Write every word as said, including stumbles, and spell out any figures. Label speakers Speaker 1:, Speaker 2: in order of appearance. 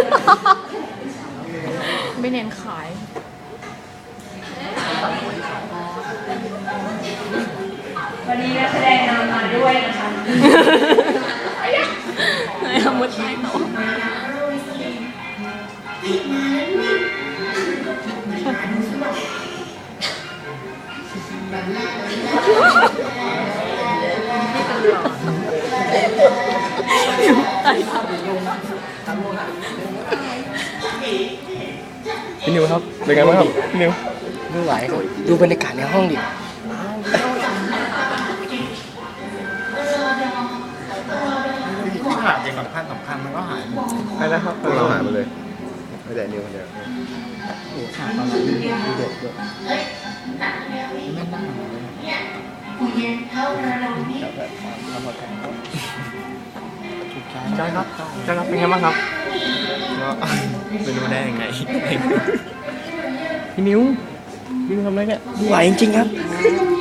Speaker 1: ไม่เน้นขาย
Speaker 2: วันนี้นักแสดงนำมาด้วยนะคะ
Speaker 1: ไหนทำมุดใต้โต๊ะ
Speaker 3: พี่นิวครับเป็นไงบ้างครับพี่นิว
Speaker 4: ไม่ไหวครับดูบรรยากาศในห้องดิ
Speaker 5: ที่ขาดอย่างสำคัญสำคัญมันก็หายหมด
Speaker 3: ไปแล้วครับ
Speaker 6: พวกเราหายไปเลยไม่แต่นิวคนเดียว
Speaker 4: โอ้ขาดตอนนั้นดูเด็กด้วยแม่นั่งทำมาแข่งก็ถูกใจ
Speaker 3: ใช่ครับใช่ครับเป็นไงบ้างครับ
Speaker 6: ก็ไม่รู้ได้ยังไง
Speaker 3: พี่นิวพี่นิวทำอะไรเนี่ย
Speaker 4: ไม่ไหวจริงๆครับ
Speaker 3: โ